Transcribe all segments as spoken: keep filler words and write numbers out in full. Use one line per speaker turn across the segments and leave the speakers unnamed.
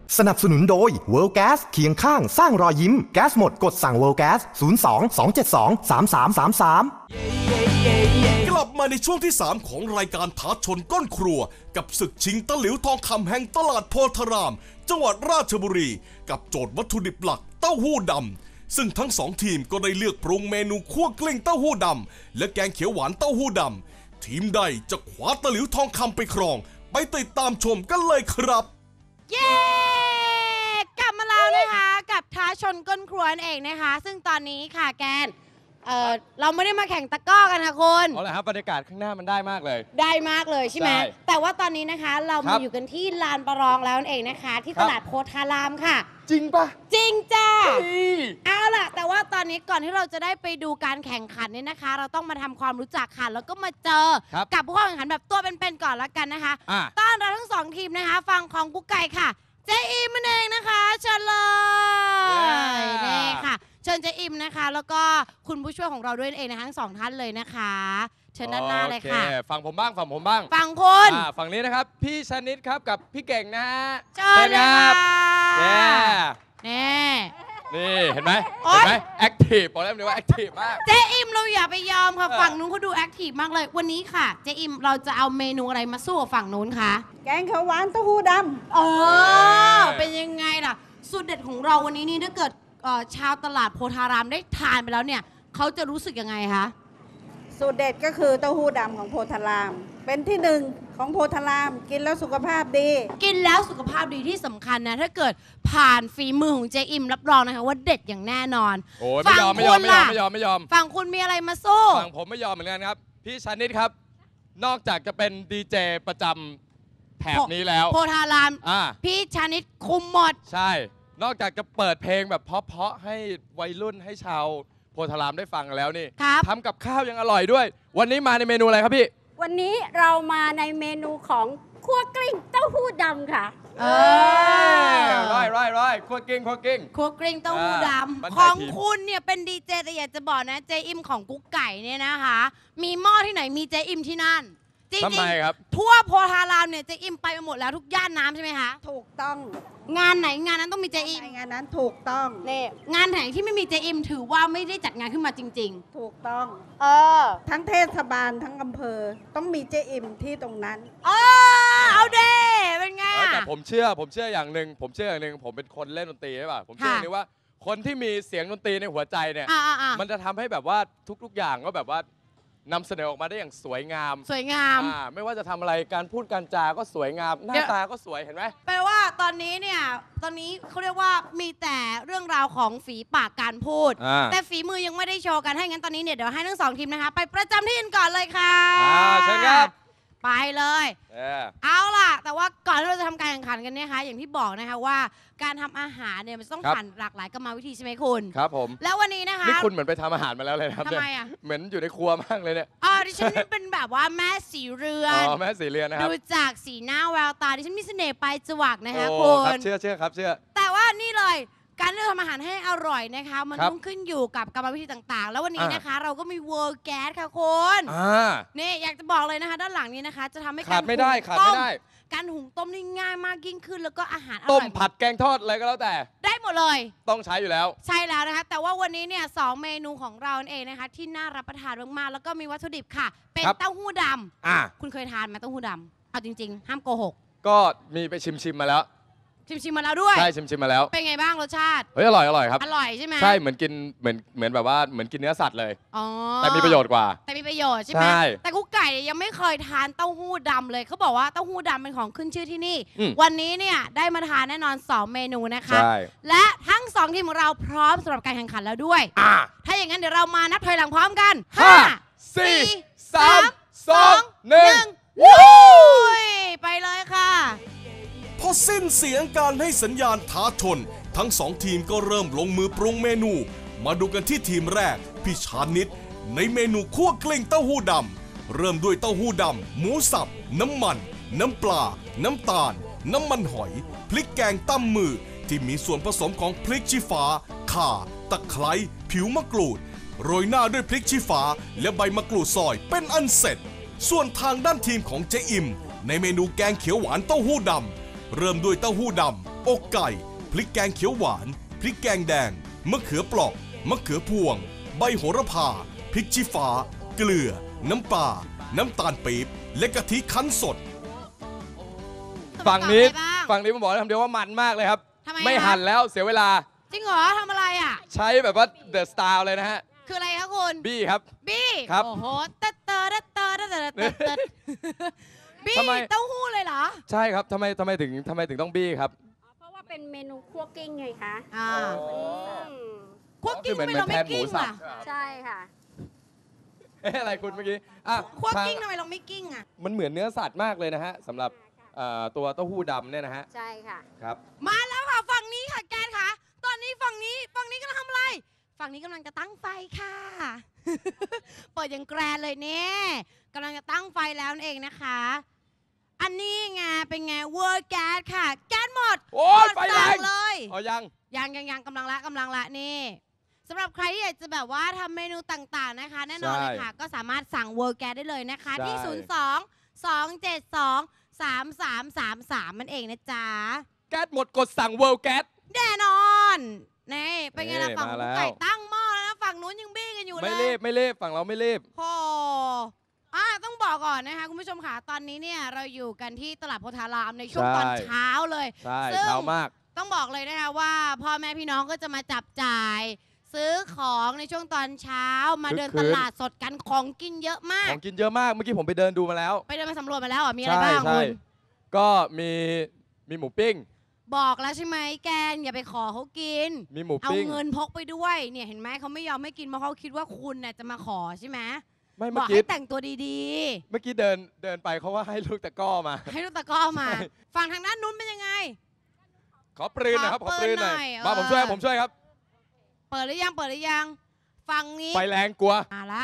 สนับสนุนโดย World Gas เคียงข้างสร้างรอยยิ้มแก๊สหมดกดสั่ง World Gas ศูนย์ สอง สอง เจ็ด สอง สาม สาม สาม สาม
กลับมาในช่วงที่สามของรายการท้าชนก้นครัวกับศึกชิงตะหลิวทองคำแห่งตลาดโพธารามจังหวัดราชบุรีกับโจทย์วัตถุดิบหลักเต้าหู้ดำซึ่งทั้งสองทีมก็ได้เลือกปรุงเมนูคั่วกลิ้งเต้าหู้ดำและแกงเขียวหวานเต้าหู้ดำทีมใดจะคว้าตะหลิวทองคำไปครองไปติดตามชมกันเลยครับ
เย้กลับมาแล้วนะคะกับท้าชนก้นครัวนั่นเองนะคะซึ่งตอนนี้ค่ะแกนเออเราไม่ได้มาแข่งตะกร้อกันค่ะคุณ
เอาละครับบรรยากาศข้างหน้ามันได้มากเลย
ได้มากเลยใช่ไหมแต่ว่าตอนนี้นะคะเรามาอยู่กันที่ลานประลองแล้วนั่นเองนะคะที่ตลาดโพธารามค่ะ
จริงปะ
จริงจ้าเอาล่ะแต่ว่าตอนนี้ก่อนที่เราจะได้ไปดูการแข่งขันเนี่ยนะคะเราต้องมาทำความรู้จักค่ะแล้วก็มาเจอกับผู้เข้าแข่งขันแบบตัวเป็นๆก่อนละกันนะคะต้อนรับทั้งสองทีมนะคะฟังของกุ๊กไก่ค่ะเจอิมเองนะคะเชิญเลยนี่ค่ะเชิญเจอิมนะคะแล้วก็คุณผู้ช่วยของเราด้วยเองนะทั้งสองท่านเลยนะคะเชิญด้านหน้าเลยค่ะ
ฝั่งผมบ้างฝั่งผมบ้าง
ฝั่งคุณ
ฝั่งนี้นะครับพี่ชนิดครับกับพี่เก่งนะฮะ
เชิญเลยค่ะ
นี่นี่เห็นไหมเห็นไหมแอคทีฟบอกแล้วเลยว่าแอคทีฟมาก
เจอิมเราอย่าไปยอมค่ะฝั่งนู้นเขาดูแอคทีฟมากเลยวันนี้ค่ะเจอิมเราจะเอาเมนูอะไรมาสู้กับฝั่งนู้นคะ
แกงเขียวหวานเต้าหู้ดำ
เออเป็นยังไงล่ะสูตรเด็ดของเราวันนี้นี่ถ้าเกิดชาวตลาดโพธารามได้ทานไปแล้วเนี่ยเขาจะรู้สึกยังไงคะ
สูตรเด็ดก็คือเต้าหู้ดำของโพธารามเป็นที่หนึ่งของโพธารามกินแล้วสุขภาพดี
กินแล้วสุขภาพดีที่สำคัญนะถ้าเกิดผ่านฝีมือของเจอิมรับรองนะคะว่าเด็ดอย่างแน่นอน
โอ้ยไม่ยอมไม่ยอมไม่ยอมไม่ยอมไม่ยอม
ฝั่งคุณมีอะไรมาสู้
ฝั่งผมไม่ยอมเหมือนกันครับพี่ชนิดครับนอกจากจะเป็นดีเจประจำแถบนี้แล้ว
โพธารามพี่ชนิดคุมหมด
ใช่นอกจากจะเปิดเพลงแบบเพราะๆให้วัยรุ่นให้ชาวโพธารามได้ฟังแล้วนี่ทำกับข้าวยังอร่อยด้วยวันนี้มาในเมนูอะไรครับพี่
วันนี้เรามาในเมนูของคั่วกลิ้งเต้าหู้ดำค่ะ
เออ
ร้อยร้อยร้อยคั่วกลิ้งคั่วกลิ้ง
คั่วกลิ้งเต้าหู้ดำของคุณเนี่ยเป็นดีเจแต่อยากจะบอกนะเจอิมของกุ๊กไก่เนี่ยนะคะมีหม้อที่ไหนมีเจอิมที่นั่นจริงๆทั่วโพธารามเนี่ยเจอิมไปหมดแล้วทุกย่านน้ำใช่ไหมคะ
ถูกต้อง
งานไหนงานนั้นต้องมีเจอิม
งานนั้นถูกต้อง
นี่งานไหนที่ไม่มีเจอิมถือว่าไม่ได้จัดงานขึ้นมาจริง
ๆถูกต้อง
เออ
ทั้งเทศบาลทั้งอำเภอต้องมีเจอิมที่ตรงนั้น
เออเอาเด้เป็นไง
แต่ผมเชื่อผมเชื่ออย่างหนึ่งผมเชื่ออย่างหนึ่งผมเป็นคนเล่นดนตรีใช่ป่ะผมเชื่ออย่างนี้ว่าคนที่มีเสียงดนตรีในหัวใจเนี่ยมันจะทำให้แบบว่าทุกๆอย่างก็แบบว่านำเสนอออกมาได้อย่างสวยงาม
สวยงาม
ไม่ว่าจะทำอะไรการพูดการจาก็สวยงามหน้าตาก็สวยเห็นไหม
แปลว่าตอนนี้เนี่ยตอนนี้เขาเรียกว่ามีแต่เรื่องราวของฝีปากการพูดแต่ฝีมือยังไม่ได้โชว์กันให้งั้นตอนนี้เนี่ยเดี๋ยวให้ทั้งสองทีมนะคะไปประจำที่กันก่อนเลยค่ะ
เชิญครับ
ไปเลยเอาล่ะแต่ว่าก่อนที่เราจะทำการแข่งขันกันเนี่ยค่ะอย่างที่บอกนะคะว่าการทำอาหารเนี่ยมันต้องผ่านหลากหลายกรรมวิธีใช่ไหมคุณ
ครับผม
แล้ววันนี้นะคะ
นี่คุณเหมือนไปทำอาหารมาแล้วเลยครับ
ทำไมอ่ะ
เหมือนอยู่ในครัวมากเลยเนี่ย
อ๋อดิฉันเป็นแบบว่าแม่สีเรือน
อ๋อแม่สีเรือนนะครับ
ดูจากสีหน้าแววตาดิฉันมีเสน่ห์ไปจวักนะคะคุณ
เชื่อเชื่อครับเชื่อ
แต่ว่านี่เลยการเลือกทำอาหารให้อร่อยนะคะมันต้องขึ้นอยู่กับกรรมวิธีต่างๆแล้ววันนี้นะคะเราก็มี World Gas ค่ะคุณนี่อยากจะบอกเลยนะคะด้านหลังนี้นะคะจะทำให้
ขาดไม่ได้ขาดไม่ได้
การหุงต้มนี่ง่ายมากยิ่งขึ้นแล้วก็อาหารอร่อย
ต้มผัดแกงทอดอะไรก็แล้วแต่
ได้หมดเลย
ต้องใช้อยู่แล้ว
ใช่แล้วนะคะแต่ว่าวันนี้เนี่ยสองเมนูของเราเองนะคะที่น่ารับประทานมากๆแล้วก็มีวัตถุดิบค่ะเป็นเต้าหู้ดำคุณเคยทานไหมเต้าหู้ดำเอาจริงๆห้ามโกหก
ก็มีไปชิมๆมาแล้ว
ชิมชิมมาแล้วด้วย
ใช่ชิมชิมมาแล้ว
เป็นไงบ้างรสชาติ
เฮ้ยอร่อยอร่อยครับ
อร่อยใช่ไหม
ใช่เหมือนกินเหมือนเหมือนแบบว่าเหมือนกินเนื้อสัตว์เลย
อ๋อ
แต่มีประโยชน์กว่า
แต่มีประโยชน์ใช่ไหมแต่กุ๊กไก่ยังไม่เคยทานเต้าหู้ดำเลยเขาบอกว่าเต้าหู้ดำเป็นของขึ้นชื่อที่นี่วันนี้เนี่ยได้มาทานแน่นอนสองเมนูนะคะและทั้งสองทีมของเราพร้อมสำหรับการแข่งขันแล้วด้วยถ้าอย่างนั้นเดี๋ยวเรามานับถอยหลังพร้อมกัน
ห้าสี่สามสองหนึ่ง
ไปเลยค่ะ
พอสิ้นเสียงการให้สัญญาณท้าชนทั้งสองทีมก็เริ่มลงมือปรุงเมนูมาดูกันที่ทีมแรกพี่ชานิดในเมนูคั่วกลิ้งเต้าหู้ดำเริ่มด้วยเต้าหู้ดำหมูสับน้ำมันน้ำปลาน้ำตาลน้ำมันหอยพริกแกงตั้มมือที่มีส่วนผสมของพริกชี้ฟ้าข่าตะไคร้ผิวมะกรูดโรยหน้าด้วยพริกชี้ฟ้าและใบมะกรูดซอยเป็นอันเสร็จส่วนทางด้านทีมของเจ๊อิมในเมนูแกงเขียวหวานเต้าหู้ดำเริ่มด้วยเต้าหู้ดำอกไก่พริกแกงเขียวหวานพริกแกงแดงมะเขือเปราะมะเขือพวงใบโหระพาพริกชี้ฟ้าเกลือน้ำปลาน้ำตาลปี๊บและกะทิคั้นสด
ฝั่งนี้ฝั่งนี้ผมบอกคำเดียวว่ามันมากเลยครับไม่หั่นแล้วเสียเวลา
จริงเหรอทำอะไรอ่ะ
ใช้แบบว่าเดอะสตาร์เลยนะฮะ
คืออะไรคะคุณ
บี้ครับ
บี้
ครับ
โอ้โหเตอเตอเตอเตอเตอเตอบี้เต้าหู้เลยเหรอ
ใช่ครับทำไมทำไมถึงทำไมถึงต้องบี้ครับ
เพราะว่าเป็นเมนูคั่วกิ้งไงคะ
อ่าคั่วกิ้งไม่เราไม่กิ้งอ่ะ
ใช่ค่ะ
เอ๊ะอะไรคุณเมื่อกี้
อ่ะคั่วกิ้งทำไมเราไม่กิ้งอ่ะ
มันเหมือนเนื้อสัตว์มากเลยนะฮะสำหรับตัวเต้าหู้ดำเนี่ยนะฮะ
ใช่ค่ะ
ครับ
มาแล้วค่ะฝั่งนี้ค่ะแกนค่ะตอนนี้ฝั่งนี้ฝั่งนี้กำลังทำอะไรฝั่งนี้กำลังจะตั้งไฟค่ะเปิดอย่างแกรนเลยเนี่ยกำลังจะตั้งไฟแล้วนั่นเองนะคะอันนี้ไงเป็นไงเวอร์แก๊สค่ะแก๊สหมด
โอ้ยไฟแรง
เลย
อ๋อยัง
ยังยังยังกำลังละกำลังละนี่สำหรับใครที่อยากจะแบบว่าทำเมนูต่างๆนะคะแน่นอนเลยค่ะก็สามารถสั่งเวอร์แก๊สได้เลยนะคะที่ศูนย์ สอง สอง เจ็ด สอง สาม สาม สาม สามมันเองนะจ๊ะ
แก๊สหมดกดสั่งเวิลด์แก๊ส
แน่นอนนี่เป็นไงล่ะฝั่งไก่ตั้งหม้อแล้วนะฝั่งนู้นยังบี้กันอยู่เลย
ไม่รีบไม่รีบฝั่งเราไม่รีบ
โอ้อ่าต้องบอกก่อนนะคะคุณผู้ชมค่ะตอนนี้เนี่ยเราอยู่กันที่ตลาดโพธารามในช่วงตอนเช้าเลย
ใช่เช้ามาก
ต้องบอกเลยนะคะว่าพ่อแม่พี่น้องก็จะมาจับจ่ายซื้อของในช่วงตอนเช้ามาเดินตลาดสดกันของกินเยอะมาก
ของกินเยอะมากเมื่อกี้ผมไปเดินดูมาแล้ว
ไปเดินมาสำรวจมาแล้วอ่ะมีอะไรบ้างคุณ
ก็มีมีหมูปิ้ง
บอกแล้วใช่ไหมแกนอย่าไปขอเขากิน
มีหมูปิ้ง
เอาเงินพกไปด้วยเนี่ยเห็นไหมเขาไม่ยอมให้กินเพราะเขาคิดว่าคุณเนี่ยจะมาขอใช่ไหม
ไม่
เมื่อกี้แต่งตัวดี
ๆเมื่อกี้เดินเดินไปเขาว่าให้ลูกตะก้อมา
ให้ลูกตะก้อมาฝั่งทางด้านนู้นเป็นยังไง
ขอปรืนนะครับขอปรืนหน่อยมาผมช่วยผมช่วยครับ
เปิดหรือยังเปิดหรือยังฝั่งนี้
ไฟแรงกลัว
มาละ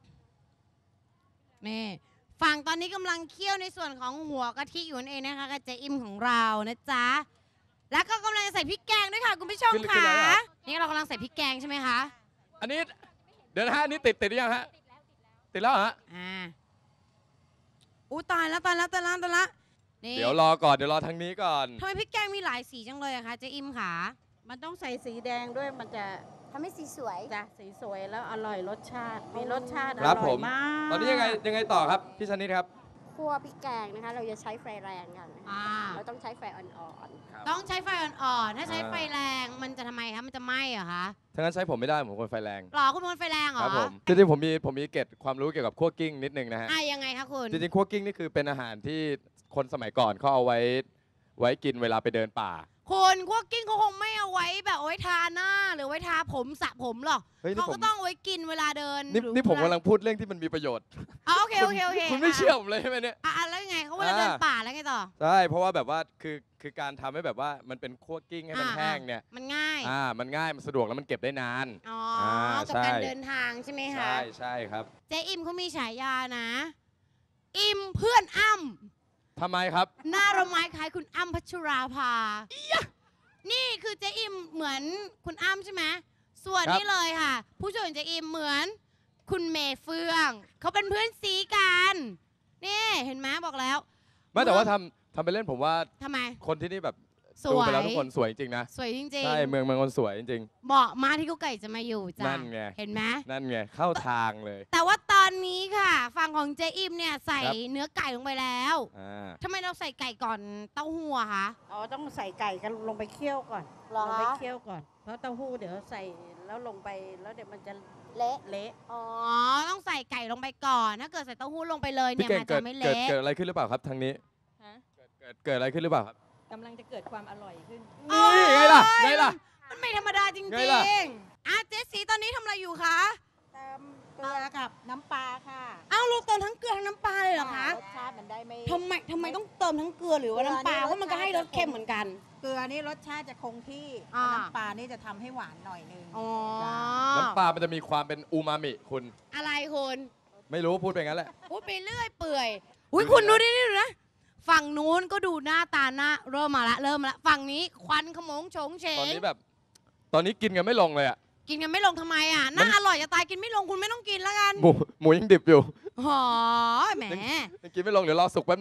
นี่ฝั่งตอนนี้กำลังเคี่ยวในส่วนของหัวกะทิอยู่นั่นเองนะคะกับเจอิมของเรานะจ๊ะแล้วก็กำลังจะใส่พริกแกงด้วยค่ะคุณผู้ชมค่ะนี่เรากำลังใส่พริกแกงใช่ไหมคะ
อันนี้เดี๋ยวนะฮะอันนี้ติดติดหรือยังฮะติดแล้วฮะ
อ่าอู้ตายแล้วตายแล้วตายแล้วตายแล้ว
เดี๋ยวรอก่อนเดี๋ยวรอทางนี้ก่อน
ทำไมพริกแกงมีหลายสีจังเลยอะคะเจอิมค่ะ
มันต้องใส่สีแดงด้วยมันจะ
ทำให้สีสวย
จ้ะสีสวยแล้วอร่อยรสชาติมีรสชาติอ
ร่
อยมาก
ตอนนี้ยังไงยังไงต่อครับพี่ชนิดครับ
คั่วพริกแกงนะคะเราจะใช้ไฟแรงกันเราต้องใช้ไฟอ่อน
ๆต้องใช้ไฟอ่อนๆถ้าใช้ไฟแรงมันจะทำไมคะมันจะไหม้เหรอคะ
ถ้างั้นใช้ผมไม่ได้ผมคนไฟแรง
หรอคุณคนไฟแรงเหรอ
ครับผมจริงๆผมมีผมมีเกร็ดความรู้เกี่ยวกับคั่วกิ้งนิดนึงนะฮะ
อ่ะยังไงคะคุณ
จริงๆคั่วกิ้งนี่คือเป็นอาหารที่คนสมัยก่อนเขาเอาไว้ไว้กินเวลาไปเดินป่า
คนคั่วกิ้งเขาคงไม่เอาไว้แบบเอาไว้ทาหน้าหรือไว้ทาผมสระผมหรอกเขาก็ต้องไว้กินเวลาเดิน
นี่ผมกำลังพูดเรื่องที่มันมีประโยชน์
โอเคโอเคโอเค
คุณไม่เชื่อผมเลยใช่ไหมเนี่ย
อ่ะแล้วไงเขาเวลาเดินป่าแล้วไงต่อ
ใช่เพราะว่าแบบว่าคือคือการทำให้แบบว่ามันเป็นคั่วกิ้งให้มันแห้งเนี่ย
มันง่าย
อ่ามันง่ายมันสะดวกแล้วมันเก็บได้นาน
อ๋อกับการเดินทางใช่ไหมคะ
ใช่ใช่ครับ
เจ๊อิมเขามีฉายานะอิมเพื่อนอ้ำ
ทำไมครับ
หน้าเราไม้คล้ายคุณอ้ำพัชราภานี่คือเจ๊อิมเหมือนคุณอ้ำใช่ไหมส่วนนี้เลยค่ะผู้ช่วยเจ๊อิมเหมือนคุณเมย์เฟื่องเขาเป็นเพื่อนซีกันนี่เห็นไหมบอกแล้ว
ไม่แต่ว่าทำทำไปเล่นผมว่า
ทำไม
คนที่นี่แบบดูไปแล้วทุกคนสวยจริงนะ
สวยจริงๆ
ใช่เมืองเมืองคนสวยจริง
ๆเหมาะมาที่กุ๊กไก่จะมาอยู่จ้ะ
นั่นไง
เห็นไหม
นั่นไงเข้าทางเลย
แต่ว่าตอนนี้ค่ะฝั่งของเจ๊อิมเนี่ยใส่เนื้อไก่ลงไปแล้วทำไมเราใส่ไก่ก่อนเต้าหู้อะคะ
อ๋อต้องใส่ไก่กันลงไปเคี่ยวก่อนลงไปเคี่ยวก่อนเพราะเต้าหู้เดี๋ยวใส่แล้วลงไปแล้วเดี๋ยวมันจะเละเละ
อ๋อต้องใส่ไก่ลงไปก่อนถ้าเกิดใส่เต้าหู้ลงไปเลยเนี่ยมันจะไม่เละ
เกิดอะไรขึ้นหรือเปล่าครับทางนี้เกิดเกิดอะไรขึ้นหรือเปล่าครับ
กำลังจะเกิดความอร่อยขึ้น
นี่ไงล่ะไงล่ะ
มันไม่ธรรมดาจริงๆอ่ะเจสซี่ตอนนี้ทำอะไรอยู่คะ
เติมเกลือกับน้ำปลาค่ะ
อ้าวลูกเติมทั้งเกลือทั้งน้ำปลาเลยเหรอคะ
รสชาติมันได้ไม่
ทำไมทำไมต้องเติมทั้งเกลือหรือว่าน้ำปลาเพราะมันก็ให้รสเค็มเหมือนกัน
เกลือนี่รสชาติจะคงที่น้ำปลานี่จะทำให้หวานหน่อยนึง
น้ำปลามันจะมีความเป็นอูมามิคุณ
อะไรคุณ
ไม่รู้พูดไปงั้นแหละ
พูดไปเรื่อยเปื่อยอุ้ยคุณดูดิดูนะฝั่งนู้นก็ดูหน้าตาหน้าเริ่มมาละเริ่มมาละฝั่งนี้ควันขโมงโฉงเฉง
ตอนนี้แบบตอนนี้กินกันไม่ลงเลยอ่ะ
กินกันไม่ลงทำไมอ่ะน่าอร่อยจะตายกินไม่ลงคุณไม่ต้องกินแล้วกัน
หมูหมูยังดิบอยู่
หอแหม
ยังกินไม่ลงเดี๋ยวรอสุกแป๊บนึง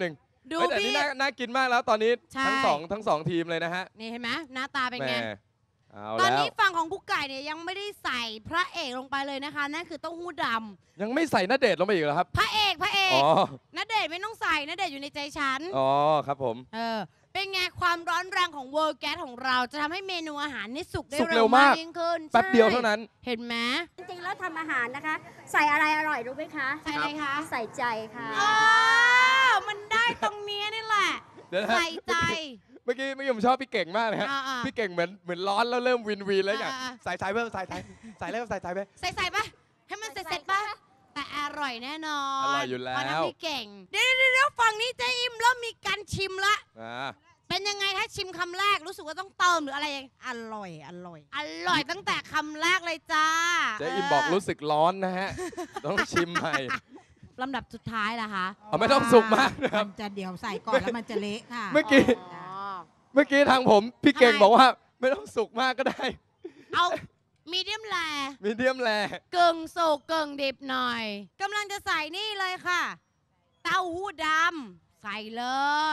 ดู
แต่
พี่
นี่น่าน่ากินมากแล้วตอนนี้
ใช่
ทั้งสองทั้งสองทีมเลยนะฮะ
นี่เห็นไหมหน้าตาเป็นไง
แหมเอา
ตอน
แล้ว
นี้ฝั่งของกุ๊กไก่เนี่ยยังไม่ได้ใส่พระเอกลงไปเลยนะคะ นั่นคือเต้าหู้ดำ
ยังไม่ใส่ณเดชน์ลงไปอีกเหรอครับ
พระเอกพระเอก
อ๋อ
ณเดชน์ไม่ต้องใส่ณเดชน์อยู่ในใจฉัน
อ๋อครับผม
เออเป็นไงความร้อนแรงของเวิร์แก๊สของเราจะทำให้เมนูอาหารนี่สุกได้
สุกเร็
เร็
วมาม
วาก กยิ่งขึ้น
แป๊บเดียว
ใช่
เท่านั้น
เห็นไหม
จริงๆแล้วทำอาหารนะคะ ใส่อะไรอร่อยรู้ไหมคะ
ใส่อะไรคะ
ใส่ใจค่ะ
อ๋อมันได้ตรงนี้นี่แหละ
เดี๋ยวนะ
ใส่ใจ
เมื่อกี้เมื่อกี้ผมชอบพี่เก่งมากเลยฮะ
อ่าๆ
พี่เก่งเหมือนเหมือนร้อนแล้วเริ่มวินวีนแล้วอย่าง
อ่าๆ
ใส่ใจเพิ่มใส่ใจใส่เริ่มใส่ใจไป
ใส่ใส่ปะให้มันเสร็จเสร็จปะแต่อร่อยแน่นอน
อร่อยอยู่แล้ว
เพราะน้ำพี่เก่ง เดี๋ยวเดี๋ยวเดี๋ยวฝั่งนี้เจ๊อิมเริ่มมีการชิมละ
อ่า
เป็นยังไงถ้าชิมคำแรกรู้สึกว่าต้องเติมหรืออะไรยังอร่อย อร่อย อร่อยตั้งแต่คำแรกเลยจ้า
เจ๊อิมบอกรู้สึกร้อนนะฮะ ต้องชิมใหม่
ลำดับสุดท้ายล่ะคะ
เอาไม่ต้องสุกมากนะครับ
มันจะเดี๋ยวใส่ก่อนแล้วมันจะเละค่ะ
เมื่อกี้
อ๋อ
เมื่อกี้ทางผมพี่เก่ง
ทำไม
บอกว่าไม่ต้องสุกมากก็ได้
เอามีเดียมแล
มีเดียมแล
กึ่งสุกกึ่งดิบหน่อยกำลังจะใส่นี่เลยค่ะ เต้าหู้ดำใส่เลย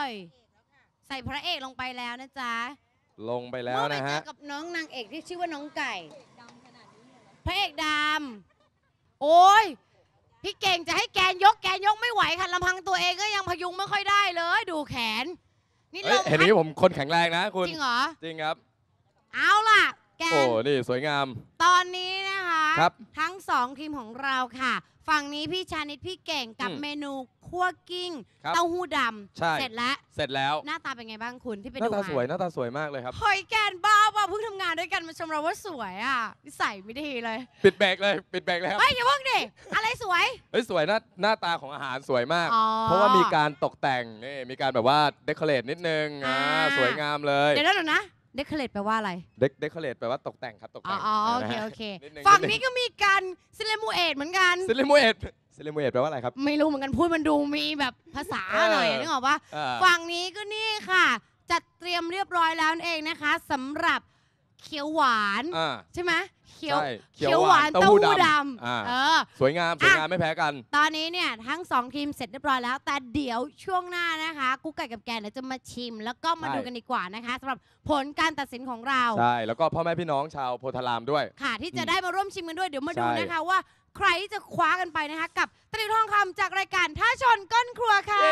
ใส่พระเอกลงไปแล้วนะจ๊ะ
ลงไปแล้ว
เมื่อไป
นะ
เจ
ฮะ
อกับน้องนางเอกที่ชื่อว่าน้องไก่พระเอกดำโอ้ยพี่เก่งจะให้แกนยกแกนยกไม่ไหวค่ะลำพังตัวเองก็ยังพยุงไม่ค่อยได้เลย ดูแขน นี่
เอ้
ล
ย
ม
เห็น
พัด
นี้ผมคนแข็งแรงนะคุณ
จริงเหรอ
จริงครับ
เอาล่ะ แก
โอ้
น
นี่สวยงาม
ตอนนี้นะคะ
ครับ
ทั้งสองทีมของเราค่ะ ฝั่งนี้พี่ชานิดพี่เก่งกับ
อืม
เมนูคั่วกิ้ง
ครับ
เต้าหู้ด
ใช่
ำเสร็จแล้ว
เสร็จแล้ว
หน้าตาเป็นไงบ้างคุณที่ไป
หน้า
ดู
ตา
มา
สวยหน้าตาสวยมากเลยครับ
เฮ้ยแกนบ้าป่ะเพิ่งทำงานด้วยกันมาชมเราว่าสวยอ่ะนิสัยไม่ดีเลย
ปิดแบกเลยปิดแบกเลยครับ
เฮ้ยอย่าเพิ่งดิอะไรสวย
เฮ้ยสวยหน้าหน้าตาของอาหารสวยมาก
อ๋อ
เพราะว่ามีการตกแต่งนี่มีการแบบว่าเดคอเรทนิดนึงอ่า
อ่า
สวยงามเลย
เดี๋ยวนะเดี๋ยวนะเดคอเรทแปลว่าอะไร
เดคเดคอเรทแปลว่าตกแต่งครับตก
อ๋อ
แต่ง
อ๋อโอ
นะ
เค
ฮะ
โอเค
นิดนึง
ฝั่ง
นิดนึ
นี้
ง
ก็มีการซิเลมูเอตเหมือนกัน
ซิลิมูเอตซิลิมูเอตแปลว่าอะไรครับ
ไม่รู้เหมือนกันพูดมันดูมีแบบภาษา
เออ
หน่อยนึกออกปะ
อ่า
ฝั่งนี้ก็นี่ค่ะ จัดเตรียมเรียบร้อยแล้วนั่นเองนะคะสำหรับเขียวหวาน
อ่า
ใช่ไหมเขียว
ใช่
เขียวหวาน
เต้า
เต้า
หู้
หู้ด
ดำอ่า
ำเออ
สวยงามสวยงามไม่แพ้กัน
ตอนนี้เนี่ยทั้งสองทีมเสร็จเรียบร้อยแล้ว แต่เดี๋ยวช่วงหน้านะคะกุ๊กไก่กับแกนเดี๋ยวจะมาชิม แล้วก็มา
ใช่
ดูกันดีกว่านะคะสำหรับผลการตัดสินของเรา
ใช่ แล้วก็พ่อแม่พี่น้องชาวโพธารามด้วย
ค่ะ ที่จะได้มาร่วมชิมกันด้วยเดี๋ยวมาดู
ใช่
นะคะว่าใครที่จะคว้ากันไปนะคะ กับตะหลิวทองคำจากรายการท่าชนก้นครัวค่ะ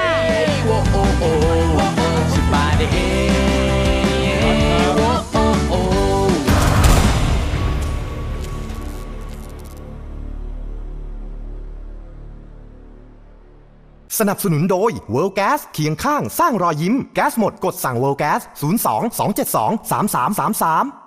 สนับสนุนโดย World Gas เคียงข้างสร้างรอยยิ้มแก๊สหมดกดสั่ง World Gas ศูนย์ สอง สอง เจ็ด สอง สาม สาม สาม สาม